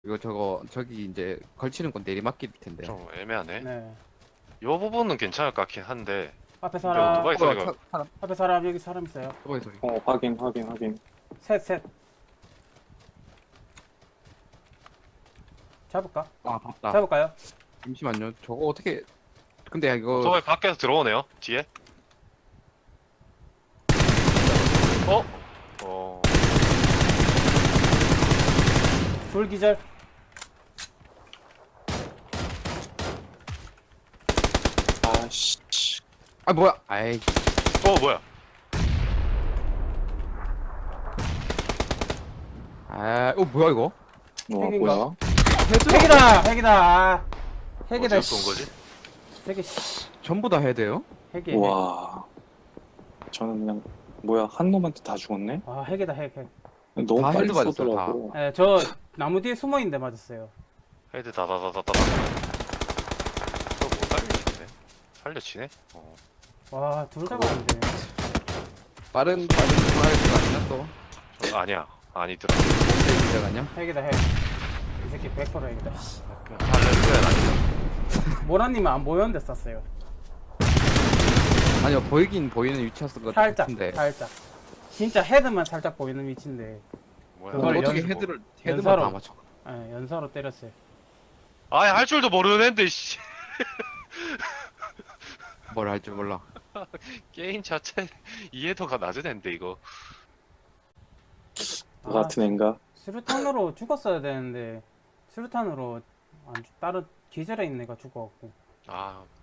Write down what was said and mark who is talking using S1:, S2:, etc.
S1: 이거 저기 이제 걸치는 건 내리막길 텐데.
S2: 좀 애매하네.
S3: 네.
S2: 요 부분은 괜찮을 것 같긴 한데.
S3: 앞에
S2: 근데
S3: 사람.
S2: 오토바이 소리가
S1: 사람
S3: 앞에 사람. 여기 사람 있어요.
S1: 오토바이 소리.
S4: 확인.
S3: 셋. 잡을까?
S1: 아 봤다.
S3: 잡을까요?
S1: 잠시만요. 저거 어떻게? 근데 이거
S2: 오토바이 밖에서 들어오네요. 뒤에. 어? 어.
S3: 둘 기절.
S4: 아씨.
S1: 아 뭐야? 아이
S2: 뭐야?
S1: 뭐야 이거?
S4: 와
S3: 핵인가?
S4: 뭐야?
S3: 핵이다. 아. 핵이다.
S2: 어디서 쏜 거지?
S3: 핵이 씨.
S1: 전부 다 해야 돼요?
S3: 핵이.
S4: 와. 저는 그냥 뭐야 한 놈한테 다 죽었네?
S3: 아 핵이다 핵.
S4: 너무
S1: 다
S4: 빨리
S1: 헤드 맞았어요,
S4: 쏘더라고.
S3: 예, 저 나무 뒤에 숨어 있는데 맞았어요.
S2: 헤드 다다다다다다. 저거 못 살려치네. 살려치네? 어.
S3: 와, 둘 다 맞는데.
S1: 빠른 전화가 아니야 또?
S2: 저, 아니야. 아니더라.
S1: 문제가 아니야?
S3: 핵이다 핵. 이 새끼 100% 핵이다.
S2: 할렐루야 아니다.
S3: 모라님은 안 보였는데 쐈어요.
S1: 아니요 보이긴 보이는 위치였을 것
S3: 살짝,
S1: 같은데.
S3: 살짝. 진짜 헤드만 살짝 보이는 위치인데,
S2: 뭐야?
S3: 그걸
S1: 그걸 어떻게
S3: 연-
S1: 헤드만
S3: 연사로.
S1: 다 맞춰?
S3: 예, 연사로 때렸어요.
S2: 아예 할 줄도 모르는 애인데 씨.
S1: 뭘 할 줄 몰라.
S2: 게임 자체 이해도가 낮은 애인데 이거.
S4: 너 같은 애인가?
S3: 수류탄으로 죽었어야 되는데, 수류탄으로 다른 기절해 있는 애가 죽어갖고.
S2: 아